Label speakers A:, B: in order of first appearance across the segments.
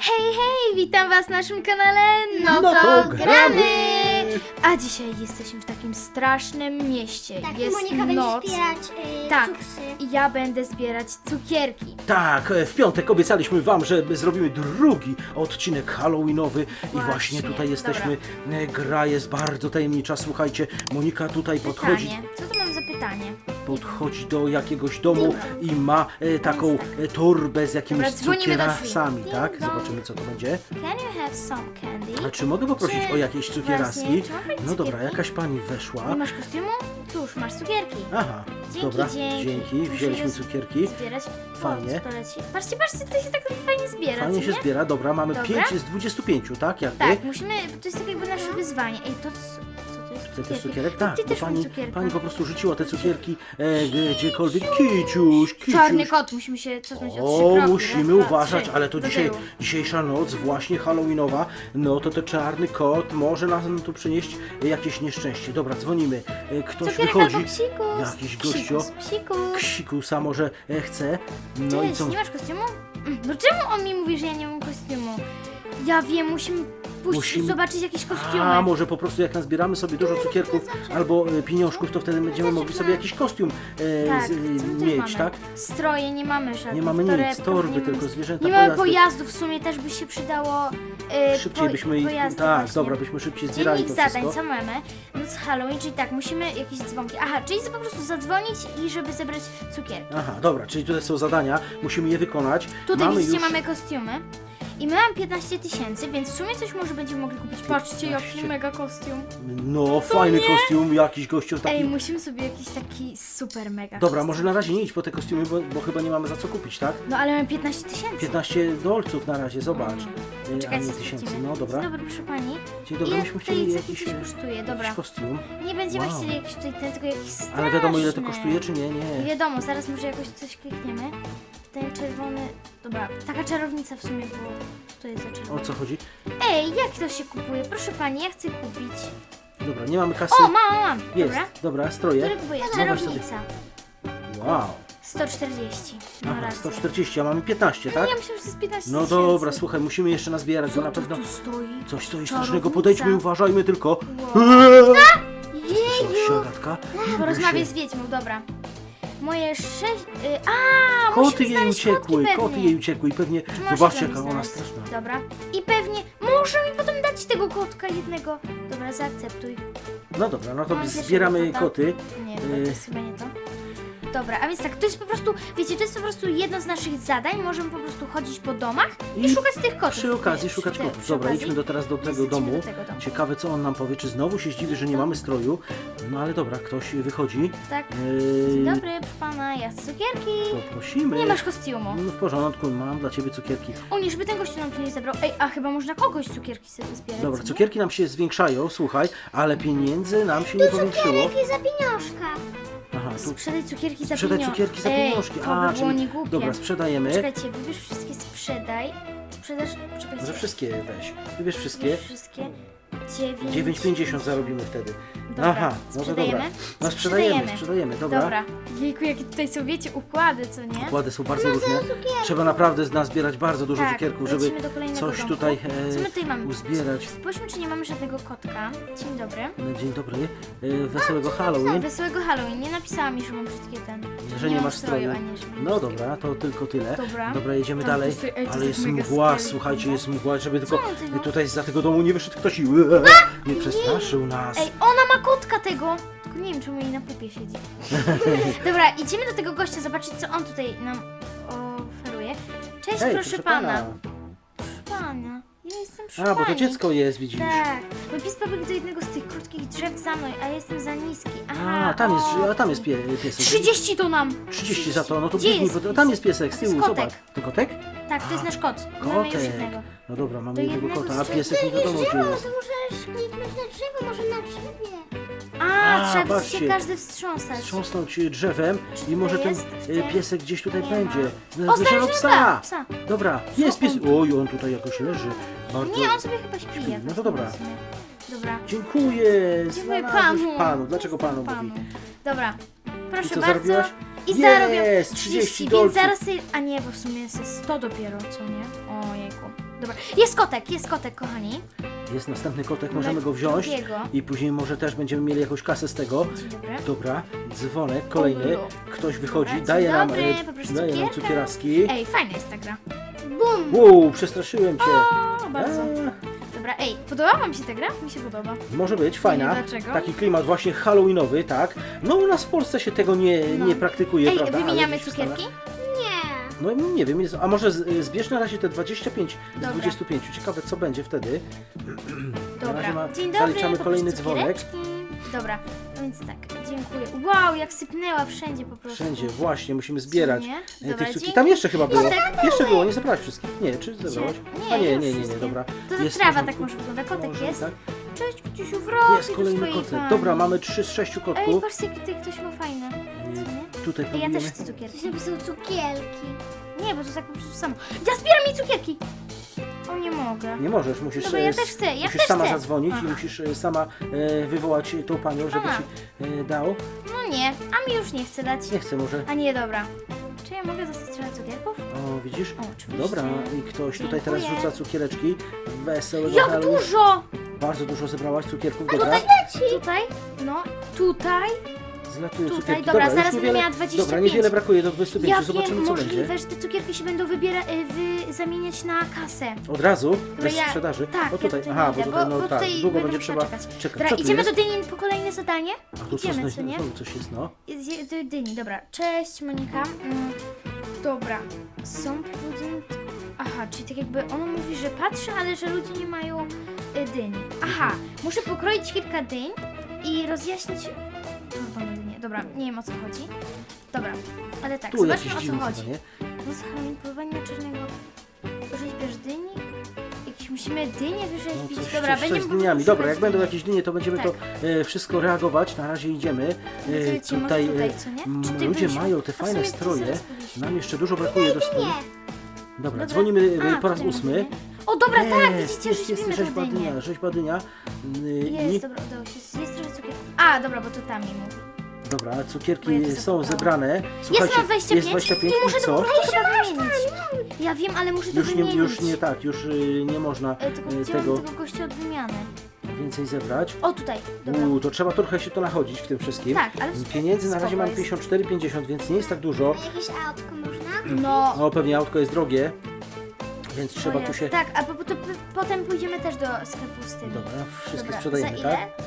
A: Hej, hej, witam was w naszym kanale, no to gramy! A dzisiaj jesteśmy w takim strasznym mieście,
B: Tak,
A: jest
B: Monika
A: noc.
B: będzie zbierać
A: Tak,
B: cuksy.
A: i ja będę zbierać cukierki.
C: Tak, w piątek obiecaliśmy wam, że zrobimy drugi odcinek halloweenowy i właśnie tutaj jesteśmy. Gra jest bardzo tajemnicza, słuchajcie, Monika tutaj podchodzi,
A: Pytanie, co to mam za pytanie?
C: do jakiegoś domu i ma taką torbę z jakimiś
A: Dobra, dzwonimy do
C: cukierasami,
A: drzwi.
C: tak?
A: Ding dong.
C: Zobaczymy, co to będzie.
A: Can you have some candy?
C: A czy mogę poprosić
A: Czy
C: o jakieś cukieraski?
A: właśnie, czy mam
C: No dobra,
A: cukierki?
C: jakaś pani
A: Nie
C: weszła.
A: masz kostiumu? Cóż, masz cukierki.
C: Aha,
A: Dzięki,
C: dobra,
A: dzięki. Muszę
C: wzięliśmy
A: je
C: cukierki.
A: Zbierać.
C: Fajnie.
A: O, co to leci? Patrzcie, patrzcie, to się tak fajnie zbiera,
C: Fajnie
A: co
C: się
A: nie?
C: zbiera, dobra, mamy
A: Dobra.
C: 5 z 25, tak? Jakby?
A: Tak, musimy, to jest tak jakby nasze wyzwanie. Ej, to co to jest?
C: Chce też
A: Cukierki?
C: cukierek? Tak,
A: Ty
C: bo
A: też mam
C: pani,
A: cukierka.
C: pani po prostu rzuciła te cukierki gdziekolwiek. Kiciuś.
A: Czarny kot, musimy się cofnąć o 3
C: O,
A: kroki.
C: musimy
A: Raz, dwa,
C: uważać,
A: trzy.
C: ale to
A: Do
C: dzisiaj,
A: tyłu.
C: dzisiejsza noc, właśnie halloweenowa, no to czarny kot może nam tu przynieść jakieś nieszczęście. Dobra, dzwonimy. Ktoś
A: Cukierek
C: wychodzi.
A: albo psikus.
C: Jakiś gościu.
A: Psikus.
C: Ksikusa może chce. No i
A: Cześć,
C: co?
A: nie masz kostiumu? No czemu on mi mówi, że ja nie mam kostiumu? Ja wiem, musimy pójść
C: Musimy-
A: zobaczyć jakieś kostiumy.
C: A może po prostu jak nazbieramy sobie dużo cukierków albo pieniążków, to wtedy będziemy mogli sobie jakiś kostium
A: Tak, co my tu
C: mieć,
A: mamy?
C: tak?
A: Stroje nie mamy żadnych.
C: Nie mamy nic,
A: torebków,
C: torby,
A: nie mamy
C: tylko
A: nic.
C: zwierzęta,
A: Nie mamy
C: pojazdy.
A: pojazdów, w sumie też by się przydało
C: Szybciej byśmy ich,
A: pojazdy
C: tak,
A: właśnie.
C: dobra, byśmy szybciej zbierali
A: Dziennik
C: to
A: zadań,
C: wszystko.
A: co mamy? Noc Halloween, czyli tak, musimy jakieś dzwonki. Aha, czyli po prostu zadzwonić i żeby zebrać cukierki.
C: Aha, dobra, czyli tutaj są zadania, musimy je wykonać.
A: Tutaj
C: mamy
A: widzicie,
C: już...
A: mamy kostiumy. I my mamy 15 000, więc w sumie coś może będziemy mogli kupić. Patrzcie, jaki
C: 15.
A: mega kostium.
C: No, fajny
A: nie?
C: kostium, jakiś gościu taki...
A: Ej, musimy sobie jakiś taki super mega
C: Dobra,
A: kostium.
C: może na razie nie idź po te kostiumy, bo chyba nie mamy za co kupić, tak?
A: No ale mamy 15 000.
C: 15 dolców na razie, zobacz. A
A: Czekajcie,
C: nie tysięcy,
A: sprawdzimy.
C: no dobra.
A: Dzień dobry, proszę pani.
C: Dzień dobry,
A: Ile
C: myśmy
A: tutaj
C: chcieli
A: jakiś
C: jakiś,
A: coś kosztuje? Dobra.
C: jakiś kostium.
A: Nie będziemy
C: Wow.
A: chcieli jakiś tutaj ten, tylko jakiś straszny.
C: Ale wiadomo ile to kosztuje, czy nie?
A: Nie
C: Nie.
A: wiadomo, zaraz może jakoś coś klikniemy. Ten czerwony... Dobra, taka czarownica w sumie było. Co to jest za
C: O
A: czerwony?
C: co chodzi?
A: Ej, jak to się kupuje? Proszę pani, ja chcę kupić.
C: Dobra, nie mamy kasy.
A: O, mam.
C: Jest,
A: Dobra.
C: dobra, stroje.
A: Który kupuję?
C: Zobacz sobie.
A: Czarownica.
C: Wow.
A: 140. No
C: Aha,
A: raz.
C: 140, a mamy 15, tak?
A: Ja myślałam, że to jest 15
C: No
A: 000.
C: dobra, słuchaj, musimy jeszcze nazbierać, bo
A: Co
C: na
A: to
C: pewno
A: tu stoi?
C: coś stoi
A: Czarownica.
C: strasznego. Podejdźmy, uważajmy tylko.
A: Wow.
C: Jeju! Siadatka.
A: Porozmawiaj z wiedźmą, dobra. Moje 6...
C: Koty
A: musimy
C: jej
A: znaleźć
C: uciekły,
A: kotki
C: koty
A: pewnie.
C: jej uciekły i pewnie,
A: Czy możesz
C: zobaczcie
A: dla mnie
C: jaka ona
A: znaleźć?
C: straszna.
A: Dobra. I pewnie może mi potem dać tego kotka jednego. Dobra, zaakceptuj.
C: No dobra, no to
A: Mam pierwszego
C: zbieramy
A: kota.
C: koty.
A: Nie, dobra, to jest chyba nie to. Dobra, a więc tak, to jest po prostu, wiecie, to jest po prostu jedno z naszych zadań. Możemy po prostu chodzić po domach i szukać tych kotów.
C: Przy okazji
A: Przy
C: szukać
A: te-
C: kotów.
A: przy
C: Dobra,
A: okazji.
C: idźmy teraz do tego
A: Lecimy
C: domu.
A: do tego domu.
C: Ciekawe co on nam powie, czy znowu się zdziwi, że nie mamy stroju. No ale dobra, ktoś wychodzi.
A: Tak. Dzień dobry, proszę pana, ja chcę cukierki.
C: Poprosimy.
A: Nie masz kostiumu.
C: No w porządku, mam dla ciebie cukierki.
A: O nie, żeby ten gościu nam tu nie zabrał. Ej, a chyba można kogoś cukierki sobie zbierać.
C: Dobra,
A: co nie?
C: cukierki nam się zwiększają, słuchaj, ale pieniędzy nam się nie powiększyło.
B: Jakie za pieniążka.
C: Aha, tu
A: Sprzedaj cukierki za
C: sprzedaj
A: pieniądze.
C: cukierki za
A: Ej,
C: pieniążki.
A: to by było
C: czyli
A: niegłupie.
C: dobra, sprzedajemy.
A: Czekajcie, wybierz wszystkie sprzedaj. Sprzedaż, czekajcie.
C: Może wszystkie weź. Wybierz wszystkie.
A: Wybierz wszystkie.
C: 9,50 zarobimy wtedy.
A: Dobra,
C: Aha, no to dobra.
A: sprzedajemy?
C: No sprzedajemy, dobra.
A: Dobra. Jejku, jakie tutaj są, wiecie, układy, co nie?
C: Układy są bardzo różne. Trzeba naprawdę nazbierać bardzo dużo
A: Tak,
C: cukierków, żeby
A: lecimy do kolejnego
C: coś
A: domku.
C: tutaj
A: Co my tutaj mamy?
C: uzbierać.
A: Spójrzmy, czy nie mamy żadnego kotka. Dzień dobry.
C: No, dzień dobry. Wesołego Halloween.
A: Wesołego Halloween. Nie napisała mi, że mam brzydkie ten.
C: Że nie
A: mam
C: masz stroju.
A: ani że mam
C: No
A: brzydkie.
C: dobra, to tylko tyle.
A: Dobra.
C: Jedziemy
A: Tam
C: dalej.
A: to jest- ej, to
C: Ale
A: jest
C: jest
A: mega
C: mgła,
A: scary.
C: słuchajcie, jest mgła, żeby tylko
A: on ty, no?
C: tutaj za tego domu nie wyszedł ktoś i nie przestraszył nas.
A: Ej, ona ma kotka tego! Tylko nie wiem, czemu jej na pupie siedzi. Dobra, idziemy do tego gościa, zobaczyć, co on tutaj nam oferuje. Cześć,
C: Hej,
A: proszę pana. Proszę pana, ja jestem przy
C: A, bo to
A: pani.
C: dziecko jest, widzisz.
A: Tak, mój pies pobiegł do jednego z tych krótkich drzew za mną, a ja jestem za niski. Aha,
C: A, tam jest
A: o.
C: piesek.
A: 30 to nam!
C: 30 za to, no to
A: Gdzie
C: biegnij,
A: jest
C: bo tam jest piesek z
A: To jest
C: tyłu,
A: kotek.
C: zobacz. To kotek?
A: Tak, to jest nasz kot. Mamy już
C: Kotek.
A: jednego.
C: No dobra, mamy
A: Do
C: jednego
A: jednego
C: kota, a
A: z
C: piesek nie wiadomo gdzie
B: Drzewo,
C: jest.
B: to możesz kliknąć na drzewo, może na drzewie.
A: A, trzeba
C: patrzcie.
A: się każdy wstrząsać.
C: Wstrząsnąć drzewem
A: Czy
C: i może
A: tutaj
C: ten
A: jest?
C: piesek gdzieś tutaj
A: Nie
C: będzie.
A: O,
C: Znaleziono
A: znaleźliśmy
C: psa!
A: psa.
C: Dobra, jest pies.
A: on tu?
C: Oj, on tutaj jakoś leży. Bardzo.
A: Nie, on sobie chyba śpi.
C: Śpi.
A: jakoś,
C: No to dobra.
A: nie wiem w sumie. Dobra.
C: Dziękuję!
A: Dziękuję
C: znalazłeś
A: panu.
C: Dlaczego panu
A: Panu.
C: mówi?
A: Dobra. Proszę
C: I co,
A: bardzo.
C: zarobiłaś?
A: I
C: Jest,
A: zarobię
C: 30
A: więc
C: dolców.
A: zaraz sobie... A nie, bo w sumie jest 100 dopiero, co nie? Ojejku. dobra. Jest kotek, kochani.
C: Jest następny kotek, możemy go wziąć
A: drugiego.
C: i później może też będziemy mieli jakąś kasę z tego.
A: Dzień dobry.
C: Dobra, dzwonek, kolejny.
A: O,
C: Ktoś wychodzi,
A: Dobra,
C: daje
A: dzień
C: nam,
A: dobry, poproszę
C: daje nam
A: cukierka.
C: cukieraski.
A: Ej, fajna jest ta gra.
B: Bum!
C: Wow, przestraszyłem cię.
A: O, bardzo. Dobra, ej, podoba wam się ta gra? Mi się podoba.
C: Może być, fajna.
A: Nie wiem dlaczego.
C: Taki klimat właśnie halloweenowy, tak. No u nas w Polsce się tego
A: No.
C: nie praktykuje,
A: Ej,
C: prawda? Ale
A: wymieniamy
C: gdzieś w Stanach-
A: cukierki?
B: Nie.
C: No nie wiem, a może zbierz na razie te 25
A: Dobra.
C: z 25. Ciekawe co będzie wtedy. Na razie
A: Dobra, dzień dobry,
C: zaliczamy kolejny
A: poproszę
C: dzwonek.
A: cukiereczki. Dobra, no więc tak, dziękuję. Wow, jak sypnęła wszędzie po prostu.
C: Wszędzie, właśnie, musimy zbierać
A: Nie?
C: tych
A: Dobra,
C: cukierki.
A: dzięki.
C: Tam jeszcze chyba było.
A: Kotek.
C: Jeszcze było, nie zebrałeś wszystkich. Nie, czy zebrałaś?
A: Nie,
C: A nie,
A: już
C: nie,
A: wszystkie.
C: dobra.
A: To
C: Jest w
A: trawa
C: porządku.
A: tak może wygląda. Kotek
C: Może,
A: jest.
C: tak?
A: Cześć, Kuciusiu, wracaj
C: Jest
A: do
C: kolejny
A: swojej
C: kotek.
A: pani.
C: Dobra, mamy 3 z 6
A: Ej,
C: kotków.
A: patrzcie, jakie tutaj ktoś ma fajne. Co nie?
C: Tutaj
A: Ej, ja
C: próbujemy.
A: też chcę cukierki.
B: Coś napisał cukierki.
A: Nie, bo to tak po prostu samo. Ja zbieram mi cukierki! O, nie mogę.
C: Nie możesz, musisz,
A: Dobra, ja też chcę, ja
C: musisz
A: też
C: sama
A: chcę.
C: zadzwonić
A: Aha.
C: i musisz sama wywołać tą panią, żeby
A: Aha.
C: ci dał.
A: No nie, a mi już nie chce dać.
C: Nie chcę może.
A: A nie, dobra. Czy ja mogę dostać trochę cukierków?
C: O, widzisz?
A: O, oczywiście.
C: Dobra, i ktoś tutaj teraz
A: Dziękuję.
C: rzuca cukiereczki. Wesołego
A: Jak
C: Halloween.
A: dużo!
C: Bardzo dużo zebrałaś cukierków, dobra.
A: Tutaj, no, tutaj.
C: Zlatują
A: Tutaj,
C: cukierki.
A: dobra,
C: już
A: zaraz będę
C: niewiele-
A: miała 25.
C: Dobra, niewiele brakuje do 25,
A: Ja
C: zobaczymy
A: wiem,
C: co
A: możliwe,
C: będzie.
A: że te cukierki się będą zamieniać na kasę.
C: Od razu? Bez
A: ja-
C: sprzedaży?
A: Tak,
C: O tutaj,
A: ja
C: aha,
A: nie
C: bo
A: idę,
C: tutaj, no
A: bo
C: tak,
A: tutaj
C: długo
A: będę
C: będzie
A: musiała
C: trzeba
A: czekać.
C: czekać.
A: Dobra,
C: Co tu
A: idziemy
C: jest?
A: do Dyni po kolejne zadanie?
C: A tu
A: Idziemy,
C: coś,
A: co nie?
C: znowu coś jest, no.
A: Do Dyni, dobra. Cześć, Monika. Dobra, są pudding... Aha, czyli tak jakby ono mówi, że patrzy, ale że ludzie nie mają dyni. Aha, muszę pokroić kilka dyń i rozjaśnić... Normalne dynie. Dobra, nie wiem o co chodzi. Dobra, ale tak,
C: Tu
A: zobaczmy
C: jakieś
A: o co
C: dziwne
A: chodzi.
C: zadanie.
A: No z Halloween, polowanie na czarnego... Rzeźbiarz dyni? Jakieś musimy dynie
C: No
A: wyrzeźbić.
C: coś,
A: Dobra,
C: coś,
A: będziemy
C: coś z
A: po
C: dyniami.
A: prostu
C: Dobra, jak
A: szukać
C: będą
A: dyni.
C: jakieś dynie, to będziemy
A: Tak.
C: to wszystko reagować. Na razie idziemy.
A: Wiecie, może tutaj, co nie? Czy ty
C: Ludzie
A: byliśmy?
C: mają te
A: A w
C: fajne
A: sumie to
C: stroje.
A: zaraz byliśmy.
C: Nam jeszcze dużo brakuje do stroju.
B: Nie.
C: Dobra,
A: Dobra.
C: dzwonimy
A: A,
C: po raz
A: tutaj
C: 8.
A: mamy. O, dobra, tak, widzicie,
C: jest
A: rzeźbimy tą
C: rzeźba
A: dynię.
C: dynia, rzeźba dynia.
A: Jest, dobra, udało się. Jest trochę cukierków. A, dobra, bo to tam mi mówi.
C: Dobra,
A: Bo ja
C: cukierki
A: to
C: są
A: zapomniałam.
C: zebrane. Słuchajcie,
A: Mam 25,
C: jest 25
A: i muszę
C: i co?
A: to chyba wymienić. Ja wiem, ale muszę to
C: Już
A: wymienić.
C: nie tak, już nie można
A: Tylko gdzie
C: tego
A: mam tego gościa od wymiany?
C: więcej zebrać.
A: O, tutaj, dobra.
C: To trzeba trochę się to nachodzić w tym wszystkim.
A: Tak, ale
C: Pieniędzy na razie
A: spoko
C: mam
A: jest.
C: 54,50, więc nie jest tak dużo.
B: Jakieś autko można?
A: No,
C: No pewnie autko jest drogie, więc trzeba
A: o
C: tu
A: jest.
C: się...
A: Tak, a potem pójdziemy też do sklepu z tym.
C: Dobra, wszystkie
A: Dobra,
C: sprzedajemy,
A: za ile?
C: tak?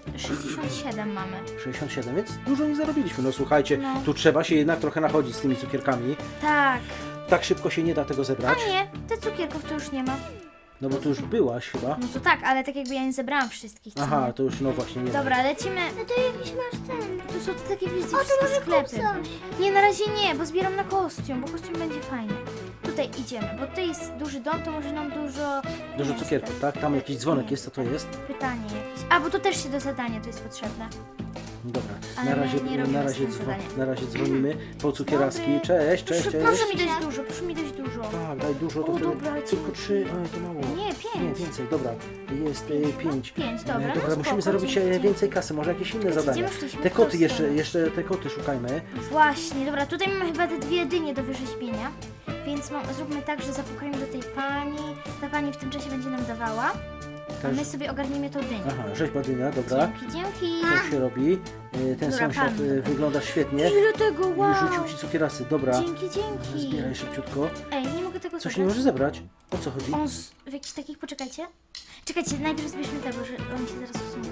A: 67 mamy.
C: 67, więc dużo nie zarobiliśmy. No słuchajcie,
A: No.
C: tu trzeba się jednak trochę nachodzić z tymi cukierkami.
A: Tak.
C: Tak szybko się nie da tego
A: A
C: zebrać.
A: nie, te cukierków to już nie ma.
C: No bo tu już byłaś chyba.
A: No to tak, ale tak jakby ja nie zebrałam wszystkich. co
C: Aha,
A: nie?
C: to już no właśnie nie ma.
A: Dobra, lecimy.
B: No to jakiś masz ten.
A: Tu są takie wiecie,
B: O, to
A: wszystkie
B: może kup
A: sklepy.
B: coś.
A: Nie, na razie nie, bo zbieram na kostium, bo kostium będzie fajny. Tutaj idziemy, bo tutaj jest duży dom, to może nam dużo...
C: Dużo
A: nie,
C: cukierków,
A: stop.
C: tak? Tam jakiś dzwonek
A: Nie,
C: jest, co to jest?
A: Pytanie jakieś. A, bo to też się do zadania to jest potrzebne.
C: Dobra,
A: Ale
C: na
A: my
C: razie,
A: nie robimy
C: na razie,
A: z tym zadania.
C: na razie dzwonimy po cukieraski.
A: Dobry.
C: Cześć, cześć,
A: Proszę,
C: cześć.
A: proszę mi dać dużo, proszę mi dać dużo.
C: Tak, daj dużo, to
A: O,
C: wtedy
A: dobra,
C: tylko
A: dzięki.
C: 3, oj to mało.
A: Nie,
C: Nie,
A: 5.
C: więcej, dobra. Jest 5.
A: 5, dobra, no
C: Dobra, musimy
A: spoko,
C: zarobić
A: dzięki.
C: więcej kasy, może jakieś inne
A: Czekajcie,
C: zadania.
A: gdzie my szliśmy?
C: Te
A: W
C: koty
A: którą stronę?
C: jeszcze te koty szukajmy.
A: Właśnie, dobra, tutaj mamy chyba te 2 dynie do wyrzeźbienia, więc zróbmy tak, że zapukajmy do tej pani, ta pani w tym czasie będzie nam dawała, a
C: Też-
A: my sobie ogarniemy tą dynię.
C: Aha, rzeźba dynia, dobra.
A: Dzięki.
C: To się robi. Ten
A: Dobra,
C: sąsiad
A: pan.
C: wygląda świetnie.
A: Ile tego, wow!
C: I rzucił ci cukierasy, dobra.
A: Dzięki.
C: Zbieraj szybciutko.
A: Ej, nie mogę tego
C: Coś nie
A: zabrać.
C: może zebrać. O co chodzi?
A: On w jakichś takich, poczekajcie. Czekajcie, najpierw zbierzmy tego, że on się zaraz usuną.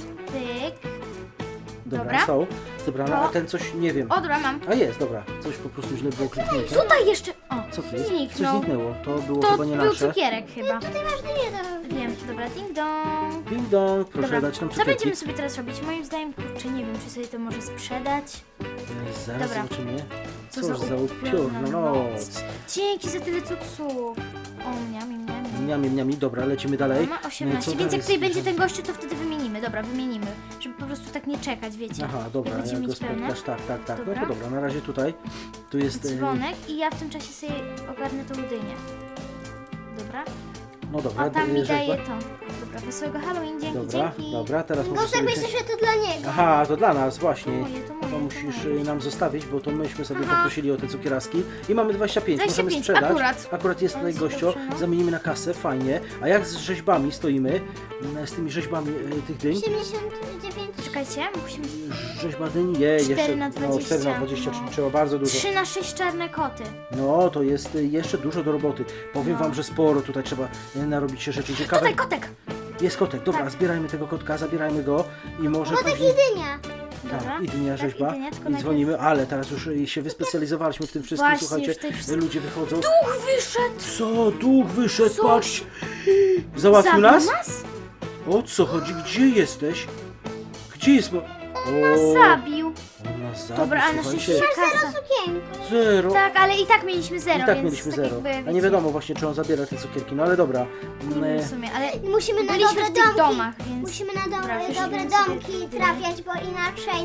A: Pyk. Dobra.
C: Są zebrane, a
A: No.
C: ten coś nie wiem.
A: O, dobra, mam.
C: A jest, dobra. Coś po prostu źle było kliknięte.
A: Tutaj jeszcze, o,
C: Co to jest? Coś
A: zniknął.
C: zniknęło. To było
A: To
C: chyba nie
A: był
C: nasze.
A: cukierek chyba.
B: Tutaj masz dynię do...
A: Wiem, dobra, ding dong.
C: Ding dong, proszę
A: Dobra,
C: dać nam
A: co
C: cukierki.
A: będziemy sobie teraz robić? Moim zdaniem, kurczę, nie wiem, czy sobie to może sprzedać.
C: Zaraz
A: Dobra.
C: zobaczymy.
A: Co
C: Cóż za upiorna noc.
A: Dzięki za tyle cuksów. O, miami.
C: Miami, dobra, lecimy dalej.
A: Ma
C: Co
A: 18, więc
C: dalej
A: jak tutaj będzie
C: zbierzemy?
A: ten gościu, to wtedy wymienimy. Dobra, wymienimy. Żeby po prostu tak nie czekać, wiecie.
C: Aha, dobra,
A: jak będziemy
C: jak go
A: mieć pełne.
C: spotkasz, tak. No
A: Dobra.
C: to dobra, na razie tutaj. Tu jest...
A: Dzwonek i ja w tym czasie sobie ogarnę tą dynię. Dobra.
C: No dobra,
A: O, tam mi
C: rzeźba.
A: daje to. Dobra, wesołego Halloween, dzięki.
C: Dobra, teraz może
B: Gosek
C: sobie...
B: myślę, że to dla niego.
C: Aha, to dla nas, właśnie.
A: To moje.
C: to musisz nam zostawić, bo to myśmy sobie poprosili o te cukieraski i mamy 25, możemy
A: 25,
C: sprzedać.
A: akurat.
C: Jest
A: Ale
C: tutaj gościo,
A: dobrze, no.
C: zamienimy na kasę, fajnie. A jak z rzeźbami stoimy, z tymi rzeźbami tych dyń?
B: 79.
A: Czekajcie, musimy...
C: Rzeźba dyń, jeszcze
A: 4 na 20,
C: 4 na 20,
A: no.
C: czyli trzeba bardzo dużo.
A: 3 na 6 czarne koty.
C: No, to jest jeszcze dużo do roboty. Powiem
A: No.
C: wam, że sporo tutaj trzeba narobić się rzeczy ciekawe.
A: Tutaj kotek!
C: Jest kotek, dobra,
A: Tak.
C: zbierajmy tego kotka, zabierajmy go i może
B: Kotek
C: później...
B: i dynia.
A: Dobra.
C: Tak, i dynia
A: Tak,
C: rzeźba.
A: i dynia, tylko
C: I
A: najpierw-
C: dzwonimy, ale teraz już się wyspecjalizowaliśmy w tym wszystkim,
A: Właśnie,
C: słuchajcie,
A: już tutaj wszystko-
C: ludzie wychodzą.
A: Duch wyszedł!
C: Co? Duch wyszedł,
A: Co?
C: patrz! Załatwił
A: Zabił
C: nas?
A: nas?
C: O co chodzi? Gdzie jesteś? Gdzie jest...
A: Nas zabił.
C: On nas zabił,
A: Dobra, ale na
C: słuchajcie.
A: szczęście kasa.
B: Sukienko.
C: Zero.
A: Tak, ale i tak mieliśmy zero,
C: I tak
A: więc
C: mieliśmy
A: tak
C: zero.
A: jakby,
C: A nie
A: wiecie,
C: wiadomo właśnie, czy on zabiera te cukierki, no ale dobra.
A: nie wiem w sumie, ale
B: Musimy na
A: byliśmy
B: dobre
A: w tych
B: domki.
A: domach, więc...
B: Musimy na
A: Dobra,
B: dobre
A: wyszliśmy
B: domki
A: sobie.
B: trafiać, bo inaczej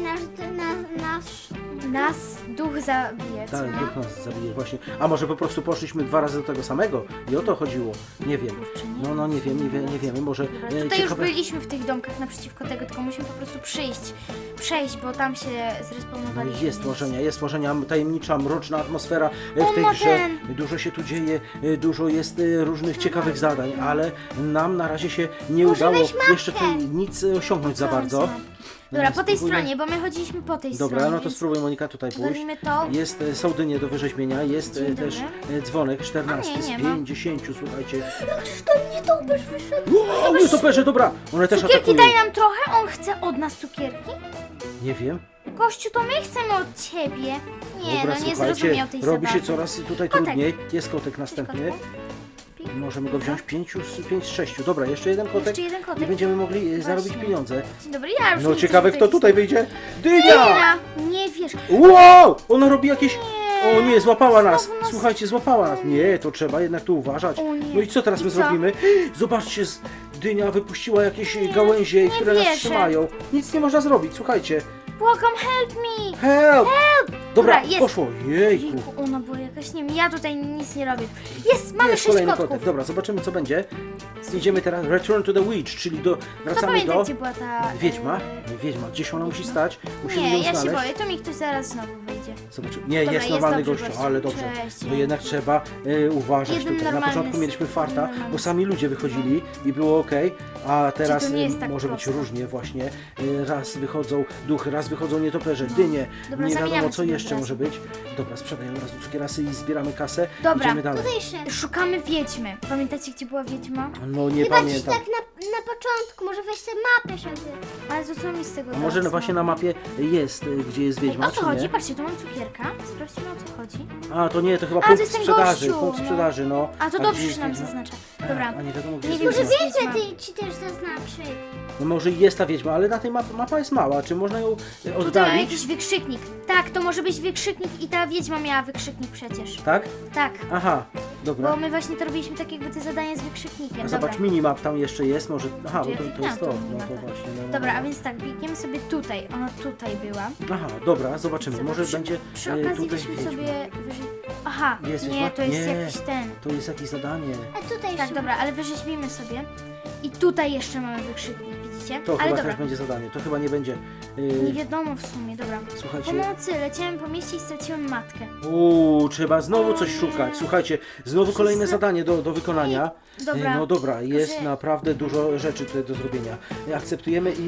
B: nasz...
A: Nas duch zabije, co?
C: Tak, duch nas zabije właśnie. A może po prostu poszliśmy 2 razy do tego samego i o to chodziło. Nie wiem.
A: Kurczę, nie
C: No nie wiem, nie wiemy. Może
A: Dobra, tutaj już
C: ciekawe...
A: byliśmy w tych domkach naprzeciwko tego, tylko musimy po prostu przejść, bo tam się
C: No
A: zrespawnowaliśmy.
C: jest tworzenia, tajemnicza, mroczna atmosfera w
A: On
C: tej
A: ma
C: grze.
A: ten.
C: Dużo się tu dzieje, dużo jest różnych ciekawych zadań, ale nam na razie się nie
B: Może
C: udało
B: weź mapkę.
C: jeszcze tutaj nic osiągnąć za
A: Co on
C: bardzo.
A: zna? Dobra, po tej
C: Spróbujmy-
A: stronie, bo my chodziliśmy po tej
C: Dobra,
A: stronie.
C: no to
A: więc
C: spróbuj Monika tutaj pójść.
A: Robimy to.
C: Jest są dynie do wyrzeźbienia, jest
A: Dzień
C: też
A: dobry.
C: dzwonek 14
A: A nie,
C: z
A: nie ma.
C: 50, słuchajcie.
B: To nie to byś wyszedł.
C: Wow, nietoperze, dobra, one też
A: Cukierki
C: atakują.
A: daj nam trochę, on chce od nas cukierki?
C: Nie wiem.
A: Gościu, to my chcemy od ciebie. Nie,
C: Dobra,
A: no nie
C: słuchajcie,
A: zrozumiał tej
C: robi się
A: zabawy.
C: coraz tutaj
A: Kotek.
C: trudniej. Jest kotek następny.
A: Cześć, kotku.
C: Możemy go wziąć 5 z 6. Dobra, jeszcze jeden kotek.
A: Jeszcze jeden kotek.
C: I będziemy mogli zarobić
A: Właśnie.
C: pieniądze.
A: Dzień dobry, ja już
C: No
A: nie chcę,
C: ciekawe,
A: żeby
C: kto tutaj wyjdzie. Dynia!
A: Dynia! Nie wiesz.
C: Wow! Ona robi jakieś... O nie, złapała nas!
A: Znowu nas-
C: Słuchajcie, złapała nas. Nie, to trzeba jednak tu uważać.
A: O nie.
C: No i co teraz
A: I
C: my
A: co?
C: zrobimy? Zobaczcie, dynia wypuściła jakieś gałęzie, które nas
A: wierzę.
C: trzymają. Nic nie można zrobić, słuchajcie.
A: Błagam, help me!
C: Help! Dobra,
A: Dobra, jest.
C: poszło. Jejku.
A: Jejku, ona była jakaś, nie wiem, ja tutaj nic nie robię. Jest, mamy
C: Jest
A: 6
C: kolejny
A: kotków.
C: kotek. Dobra, zobaczymy co będzie. Idziemy teraz Return to the Witch, czyli
A: Kto
C: wracamy
A: pamięta,
C: do
A: gdzie była ta...
C: wiedźma. Wiedźma, gdzieś ona musi stać. Musimy
A: Nie,
C: ją
A: ja się
C: znaleźć.
A: boję, to mi ktoś zaraz znowu wyjdzie.
C: Zobaczymy. Nie,
A: Dobra,
C: jest
A: jest
C: normalny
A: dobrze,
C: gościu,
A: gościu.
C: ale dobrze.
A: Cześć.
C: To jednak trzeba uważać
A: Jeden
C: tutaj. Na
A: normalny
C: początku mieliśmy farta,
A: jeden normalny
C: bo sami ludzie wychodzili i było ok, a teraz
A: to nie jest tak
C: może być
A: prosto.
C: różnie właśnie. Raz wychodzą duchy, raz wychodzą nietoperze, dynie.
A: Dobra,
C: Nie wiadomo
A: zamieniamy
C: co
A: sobie
C: jeszcze
A: od razu.
C: może być. Dobra, sprzedaję od razu cukierasy i zbieramy kasę.
A: Dobra,
C: Idziemy dalej.
B: Tutaj jeszcze.
A: Szukamy wiedźmy. Pamiętacie, gdzie była wiedźma?
C: No nie
B: Chyba ci
C: pamiętam.
B: tak na początku, może weź sobie mapę, żeby...
A: Ale to co mi z tego
C: A może
A: teraz,
C: właśnie na mapie jest, gdzie jest wiedźma,
A: O co
C: czy
A: chodzi?
C: nie?
A: Patrzcie, tu mam cukierka. Sprawdźmy, o co chodzi.
C: A, to nie, to chyba
A: A, to
C: punkt
A: jest ten
C: sprzedaży,
A: gościu,
C: punkt
A: no.
C: sprzedaży, no.
A: A to
C: A
A: dobrze,
C: gdzie
A: że nam
C: jest wiedźma?
A: zaznacza. Dobra.
C: A nie wiadomo, gdzie
A: Nie
C: jest
A: wiem,
C: wiedźma.
A: że-
B: Wiedźmę
A: Wiedźma.
B: ci też zaznaczy.
C: No może jest ta wiedźma, ale na tej mapa jest mała. Czy można ją
A: Tutaj mam
C: oddalić?
A: jakiś wykrzyknik. Tak, to może być wykrzyknik i ta wiedźma miała wykrzyknik przecież.
C: Tak?
A: Tak,
C: Aha, dobra.
A: bo my właśnie to robiliśmy tak jakby te zadanie z wykrzyknikiem.
C: A
A: Dobra.
C: zobacz, minimap tam jeszcze jest, może... Aha, bo
A: Gdzie?
C: to jest
A: A,
C: to.
A: tu
C: No
A: minimap,
C: to
A: tak.
C: właśnie. No, no,
A: Dobra,
C: no.
A: a więc tak, biegniemy sobie tutaj. Ona tutaj była.
C: Aha, dobra, zobaczymy.
A: Zobacz,
C: Może
A: przy-
C: będzie
A: Przy
C: tutaj
A: okazji weźmy
C: wiedźma.
A: sobie wyżej... Aha,
C: Jest
A: nie,
C: wiedźma?
A: to jest
C: Nie.
A: jakiś ten.
C: To jest jakieś zadanie.
B: A tutaj
A: Tak,
B: jeszcze...
A: dobra, ale wyrzeźbimy sobie. I tutaj jeszcze mamy wykrzyknik, widzicie?
C: To
A: ale
C: chyba
A: dobra,
C: też będzie zadanie. To chyba nie będzie...
A: nie wiadomo w sumie, dobra.
C: Słuchajcie...
A: Pomocy, leciałem po mieście i straciłem matkę.
C: Trzeba znowu
A: O
C: coś
A: nie.
C: szukać. Słuchajcie, znowu kolejne zadanie do wykonania.
A: Dobra.
C: No dobra, jest
A: Proszę.
C: naprawdę dużo rzeczy tutaj do zrobienia. Akceptujemy i...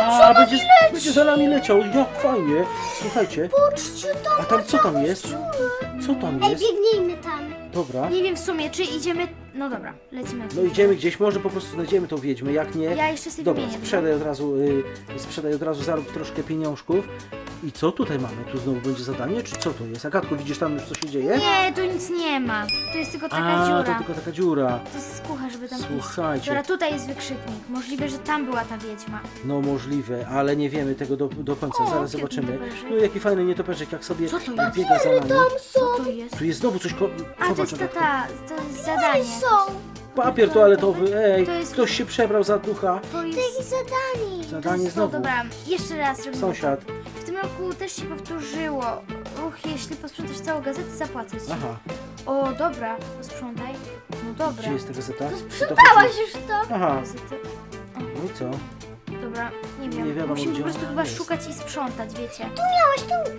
C: będzie za nami leciał, jak fajnie. Słuchajcie,
B: Patrzcie tam,
C: a tam co tam jest? Co tam
B: Ej,
C: jest?
B: biegnijmy tam.
C: Dobra.
A: Nie wiem w sumie, czy idziemy... No dobra, lecimy.
C: No idziemy gdzieś, może po prostu znajdziemy tą wiedźmę, jak nie...
A: Ja jeszcze sobie
C: Dobra,
A: wymienię.
C: sprzedaj od razu, zarób troszkę pieniążków. I co tutaj mamy? Tu znowu będzie zadanie, czy co to jest? Agatko, widzisz tam już co się dzieje?
A: Nie, tu nic nie ma. To jest tylko taka
C: A,
A: dziura.
C: to tylko taka dziura.
A: To jest skucha, żeby tam iść.
C: Słuchajcie.
A: Dobra, tutaj jest wykrzyknik. Możliwe, że tam była ta wiedźma.
C: No możliwe, ale nie wiemy tego do końca,
A: O,
C: zaraz
A: jaki
C: zobaczymy.
A: nietoperzyk.
C: No jaki fajny nietoperzek, jak sobie
A: Co to jest?
C: biega za nami.
A: Co to jest?
C: Tu jest znowu coś,
A: A, to
C: zobacz,
A: jest ta,
C: Agatko.
A: to jest zadanie.
B: Są.
C: Papier toaletowy, ej,
A: To jest-
C: ktoś się przebrał za ducha.
A: To
B: Jakieś
A: jest...
B: zadanie.
C: Zadanie
A: No
C: znowu.
A: dobra, jeszcze raz robimy.
C: Sąsiad.
A: W tym roku też się powtórzyło. Jeśli posprzątasz całą gazetę, zapłacę ci.
C: Aha,
A: O, dobra, posprzątaj. No dobra.
C: gdzie jest ta gazeta?
B: Sprzedałaś już to.
C: Aha,
A: Gazety.
C: no i co?
A: Dobra, nie wiem.
C: Nie wiadomo,
A: Musimy
C: gdzie
A: po prostu
C: ona
A: chyba
C: jest.
A: szukać i sprzątać, wiecie.
B: Miałeś tu.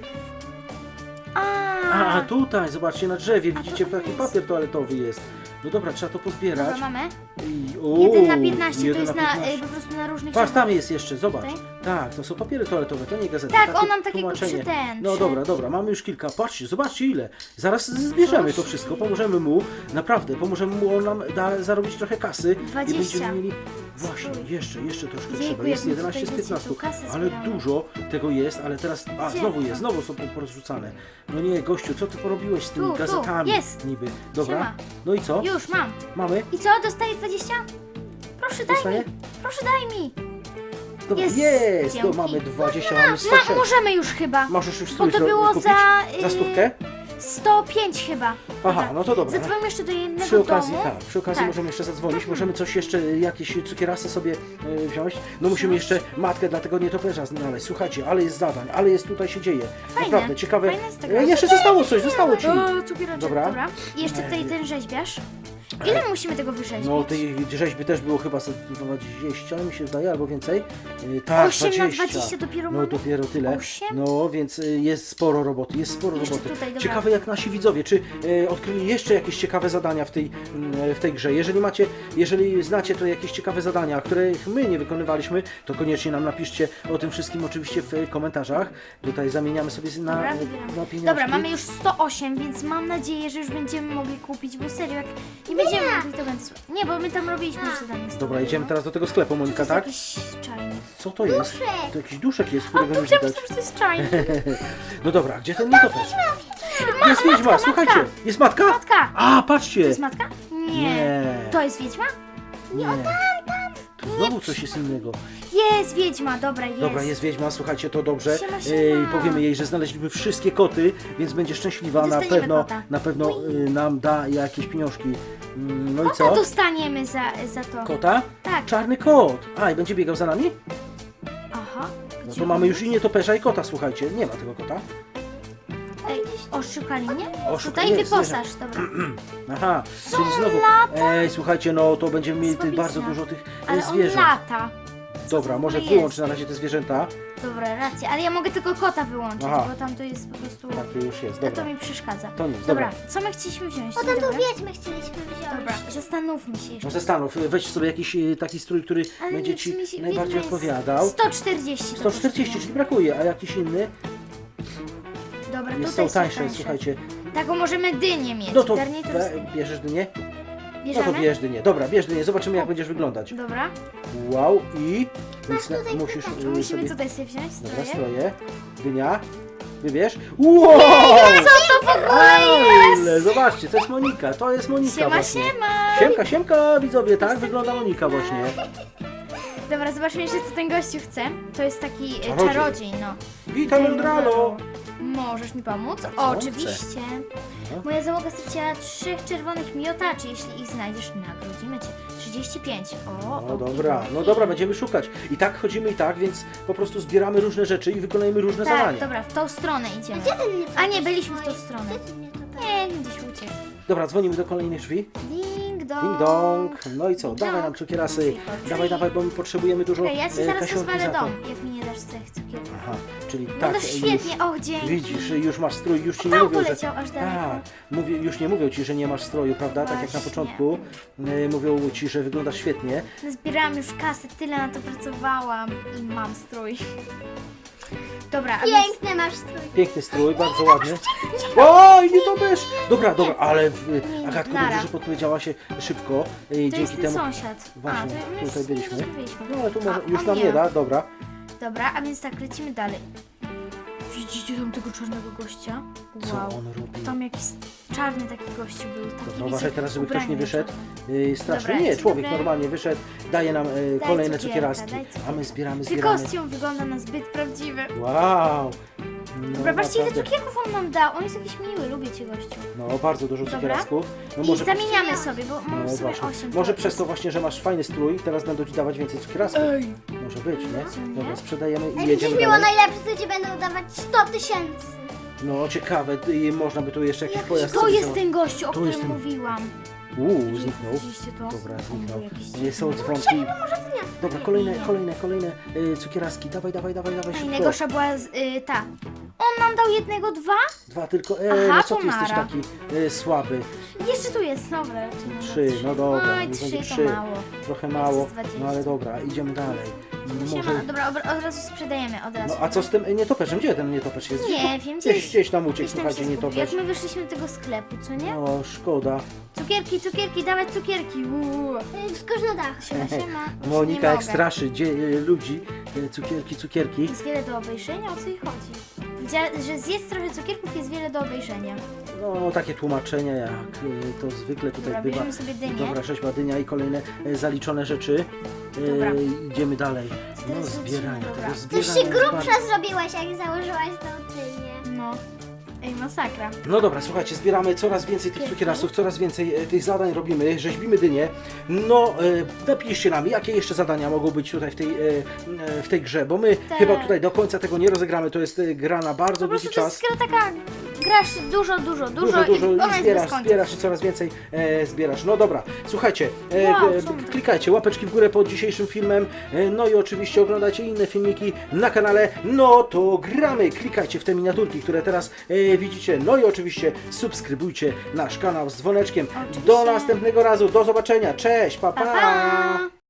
C: A, tutaj, zobaczcie, na drzewie, widzicie,
A: to
C: taki
A: jest.
C: papier toaletowy jest. No dobra, trzeba to pozbierać.
A: Dobra, mamy.
C: I,
A: 1 na 15, to
C: 1
A: jest
C: na 15.
A: po prostu na różnych
C: Patrz,
A: ścianach.
C: tam jest jeszcze, zobacz.
A: Tutaj?
C: Tak, to są papiery toaletowe, to nie gazety.
A: Tak,
C: takie
A: on nam takiego
C: tłumaczenie.
A: przy
C: No dobra, dobra, mamy już kilka. Patrzcie, zobaczcie ile. Zaraz zbierzemy to wszystko, pomożemy mu, naprawdę, pomożemy mu, on nam da zarobić trochę kasy.
A: 20.
C: I będziemy mieli... Właśnie, jeszcze troszkę
A: Jejku,
C: trzeba. Jest
A: jak my
C: 11 z
A: tutaj, wiecie,
C: 15,
A: tu kasę
C: ale
A: zbieramy.
C: dużo tego jest, ale teraz... A,
A: Gdzie?
C: znowu jest, znowu są porozrzucane. No nie, gościu, co ty porobiłeś z tymi
A: Tu, tu,
C: gazetami?
A: jest.
C: Niby. Dobra,
A: Siema.
C: no i co?
A: Już, mam.
C: Mamy?
A: I co, dostaję 20? Proszę, daj
C: Dostaję?
A: mi. Proszę, daj mi.
C: Dobra,
A: Jest.
C: jest! No
A: Dzięki.
C: mamy 20, mamy 106.
A: Możemy już chyba.
C: Możesz już
A: Bo
C: strój
A: to było
C: kupić?
A: za,
C: Za stówkę?
A: 105 chyba.
C: Aha, no to dobra.
A: Zadzwonimy jeszcze do jednego
C: Przy okazji,
A: domu.
C: tak, przy okazji
A: Tak.
C: możemy jeszcze zadzwonić, możemy coś jeszcze, jakieś cukierasy sobie wziąć. No musimy jeszcze matkę dla tego nietoperza znaleźć. Słuchajcie, ale jest zadań, ale jest tutaj się dzieje.
A: Fajne,
C: Naprawdę, ciekawe.
A: fajne jest tego.
C: Jeszcze zostało coś, zostało ci.
A: O, cukieraczek,
C: Dobra.
A: dobra. I jeszcze tutaj ten rzeźbiarz. Ile my musimy tego wyrzeźbić?
C: No tej rzeźby też było chyba ze 20, mi się zdaje, albo więcej. Tak,
A: 8 na 20 dopiero
C: No
A: mamy?
C: dopiero tyle.
A: 8?
C: No więc jest sporo roboty, jest sporo
A: Jeszcze
C: roboty.
A: tutaj, dobra.
C: Ciekawe jak nasi widzowie, czy odkryli jeszcze jakieś ciekawe zadania w tej grze. Jeżeli znacie to jakieś ciekawe zadania, których my nie wykonywaliśmy, to koniecznie nam napiszcie o tym wszystkim oczywiście w komentarzach. Tutaj zamieniamy sobie
A: Dobra, wybieram.
C: na pieniążki.
A: Dobra, mamy już 108, więc mam nadzieję, że już będziemy mogli kupić, bo serio, jak nie będziemy mogli, to będzie słabo. Nie, bo my tam robiliśmy już zadanie. z
C: Dobra,
A: tobą,
C: idziemy
A: no.
C: teraz do tego sklepu,
A: To
C: Monika,
A: jest
C: tak?
A: jakiś czajnik.
C: Co to jest? To jakiś duszek jest, którego nie
A: Dobrze,
C: widać.
A: myślałam, że to jest czajnik.
C: No dobra, gdzie ten nietoperz? Jest wiedźma, słuchajcie, jest matka?
A: Matka!
C: A, patrzcie!
A: To jest matka? Nie.
C: Nie.
A: To jest wiedźma?
C: Nie. Tu znowu coś jest innego.
A: Jest wiedźma, dobra, jest.
C: Dobra, jest wiedźma, słuchajcie, to dobrze.
A: Siema, siema.
C: Powiemy jej, że znaleźliśmy wszystkie koty, więc będzie szczęśliwa.
A: Dostaniemy kota.
C: Na pewno nam da jakieś pieniążki. No i
A: Kota
C: co?
A: dostaniemy za to.
C: Kota?
A: Tak.
C: Czarny kot. A, i będzie biegał za nami?
A: Aha.
C: No
A: Gdzie
C: to mamy
A: on
C: już i nietoperza, i kota, słuchajcie. Nie ma tego kota.
A: Ej, oszukali mnie?
C: Oszukali,
A: Tutaj
C: jest,
A: wyposaż, dobra.
C: Aha, czyli znowu. Ej, słuchajcie, no to będziemy mieli tych
A: Słabizna.
C: bardzo dużo tych
A: Ale on
C: zwierząt.
A: lata.
C: Dobra, może
A: jest?
C: wyłącz na razie te zwierzęta.
A: Dobra, racja, ale ja mogę tylko kota wyłączyć,
C: Aha.
A: bo tam to jest po prostu...
C: Tak, to już jest,
A: A to
C: dobra.
A: mi przeszkadza.
C: To nic,
A: Dobra,
C: dobra.
A: co my chcieliśmy wziąć?
B: Potem
A: Dobra.
B: tu wiedźmy chcieliśmy wziąć.
A: Dobra, zastanówmy się jeszcze.
C: No zastanów, weź sobie jakiś taki strój, który
A: Ale
C: będzie
A: nie,
C: ci
A: mi się-
C: najbardziej
A: wiedźma jest
C: odpowiadał.
A: 140. to
C: 140,
A: kosztuje.
C: czyli brakuje, a jakiś inny
A: Dobra,
C: jest
A: tutaj
C: są tańsze, słuchajcie.
A: Taką możemy dynię mieć.
C: No to
A: Garnitur z-
C: bierzesz dynię? No
A: Bierzemy?
C: to bierz dynię. Dobra, bierz dynię, zobaczymy jak będziesz wyglądać.
A: Dobra.
C: Wow, i więc
B: tutaj
C: musisz
A: To musimy
C: sobie...
A: tutaj sobie wziąć
C: Dobra,
A: stroje.
C: stroje. Dynia. Wybierz. Wow!
A: Co to w ogóle
C: Ale, zobaczcie, to jest Monika, to jest Monika
A: Siema,
C: właśnie.
A: siema!
C: Siemka, siemka, widzowie, tak wygląda Monika właśnie.
A: Dobra, zobaczmy jeszcze co ten gościu chce. To jest taki
C: Czarodziej.
A: czarodziej, no.
C: Witam, Eldralo.
A: Możesz mi pomóc?
C: A co on
A: Oczywiście.
C: No.
A: Moja załoga straciła 3 czerwonych miotaczy. Jeśli ich znajdziesz, nagrodzimy cię. 35. O,
C: No dobra, no dobra, będziemy szukać. I tak chodzimy i tak, więc po prostu zbieramy różne rzeczy i wykonujemy różne
A: Tak,
C: zadania.
A: dobra, w tą stronę idziemy.
B: Gdzie ten nietoperz
A: A nie, byliśmy w
B: stoi?
A: tą stronę.
B: Gdzie ten nietoperz?
A: Nie, gdzieś uciekł.
C: Dobra, dzwonimy do kolejnych drzwi.
A: Ding dong.
C: Ding dong. No i co?
A: Ding
C: Dawaj
A: dong.
C: nam cukierasy.
A: Drzwi.
C: Dawaj, dawaj, bo my potrzebujemy dużo
A: Czekaj, ja ci zaraz
C: kasiorki
A: rozwalę
C: za to.
A: dom, jak mi nie dasz tych cukierków.
C: Aha, czyli
A: No
C: tak,
A: to świetnie, och, dzięki.
C: widzisz, już masz strój, już ci nie
A: Tam
C: mówią, że...
A: poleciał aż daleko.
C: Tak, już nie mówią ci, że nie masz stroju, prawda? Tak jak na
A: Właśnie.
C: początku. Mówią ci, że wyglądasz świetnie.
A: Zbierałam już kasę, tyle na to pracowałam i mam strój. Dobra, a więc...
B: Piękny masz strój.
C: Piękny strój, bardzo ładny. Oj, nie to też! Dobra, dobra, ale Agatko,
A: nara.
C: dobrze, że podpowiedziała się szybko.
A: To jest
C: Dzięki
A: ten
C: temu.
A: sąsiad.
C: Właśnie,
A: a, to my już
C: tutaj
A: nie
C: byliśmy.
A: rozmawialiśmy.
C: No ale tu może,
A: A,
C: już
A: on
C: nam nie da, dobra.
A: Dobra, a więc tak, lecimy dalej. Widzicie tam tego czarnego gościa?
C: Co
A: Wow.
C: on robi?
A: Tam jakiś czarny taki gość był. Taki,
C: Dobra,
A: wiecie,
C: uważaj teraz, żeby ktoś nie
A: ubrany
C: wyszedł.
A: czarny.
C: Strasznie.
A: Dobra,
C: Nie,
A: dzień
C: człowiek
A: dobry.
C: normalnie wyszedł, daje nam kolejne
A: cukierka,
C: cukieraski.
A: daj cukierka.
C: A my zbieramy,
A: Czy
C: zbieramy.
A: kostium wygląda na zbyt prawdziwy?
C: Wow! No,
A: Dobra, patrzcie ile
C: naprawdę.
A: cukierków on nam dał. On jest jakiś miły, lubię cię gościu.
C: No, bardzo dużo
A: Dobra.
C: cukierasków. No,
A: I zamieniamy sobie, bo mam
C: no,
A: sobie
C: właśnie.
A: 8.
C: Może przez to właśnie, że masz fajny strój, teraz będą ci dawać więcej cukierasków.
A: Ej!
C: Może być,
A: Co
C: nie?
A: nie?
C: Dobra, sprzedajemy i
B: Jak będziesz
C: jedziemy
B: miała
C: dalej.
B: najlepszy, to ci będą dawać 100 000.
C: No, ciekawe, i można by tu jeszcze jakiś pojazd
A: To
C: sobie
A: jest
C: założyć.
A: ten gościu, o
C: To jest
A: którym
C: ten-
A: mówiłam.
C: Zniknął.
A: Widzieliście to?
C: Dobra,
A: On
C: zniknął.
A: był jakiś
C: Są
A: dziwny.
C: dzwonki. Dobra, kolejne cukieraski. Dawaj, szybko.
A: Najgorsza była ta. On nam dał jednego, dwa?
C: Dwa tylko.
A: Aha,
C: No co
A: to
C: ty jesteś
A: nara.
C: taki słaby?
A: Jeszcze tu jest, dobra.
C: Trzy, no dobra.
A: Oj,
C: niech będzie
A: 3 to
C: trzy.
A: mało.
C: Trochę mało,
A: jest 20.
C: no ale dobra, idziemy dalej.
A: Siema, dobra, od razu sprzedajemy, od razu.
C: No a co z tym nietoperzem? Gdzie ten nietoperz jest?
A: Nie wiem, gdzieś-
C: Gdzieś nam uciekł,
A: Gdzieś tam
C: słuchajcie,
A: się zgubił.
C: nietoperz.
A: Jak my wyszliśmy do tego sklepu, co nie?
C: No, szkoda.
A: Cukierki, dawać cukierki.
B: Skocz na dach.
A: Siema.
C: Monika
A: Nie
C: jak
A: mogę.
C: straszy ludzi. Cukierki.
A: Jest wiele do obejrzenia, o co jej chodzi? Że zjedz trochę cukierków, jest wiele do obejrzenia.
C: No, takie tłumaczenia jak to zwykle tutaj
A: Dobra,
C: bywa.
A: bierzemy sobie dynię.
C: Dobra, rzeźba dynia i kolejne zaliczone rzeczy.
A: Dobra.
C: Idziemy dalej.
A: Co
C: No,
A: teraz
C: zbieranie,
A: lecimy?
C: tego
A: Dobra.
C: zbierania
B: Coś się
C: jest
B: grubsza
C: bardzo-
B: zrobiłaś, jak założyłaś tą dynię.
A: No. Ej, masakra.
C: No dobra, słuchajcie, zbieramy coraz więcej tych cukierasów, coraz więcej tych zadań robimy, rzeźbimy dynię. No, napiszcie nam, jakie jeszcze zadania mogą być tutaj w tej grze, bo my
A: Tak.
C: chyba tutaj do końca tego nie rozegramy, to jest gra na bardzo
A: Po
C: długi
A: prostu to
C: czas.
A: jest gra taka, grasz dużo
C: Dużo
A: i ona jest bez końca.
C: zbierasz i coraz więcej zbierasz. No dobra, słuchajcie,
A: Wow, co my-
C: klikajcie łapeczki w górę pod dzisiejszym filmem, no i oczywiście oglądajcie inne filmiki na kanale, no to gramy, klikajcie w te miniaturki, które teraz widzicie, no i oczywiście subskrybujcie nasz kanał z dzwoneczkiem.
A: Oczywiście.
C: Do następnego razu, do zobaczenia, cześć, pa!
A: Pa, pa!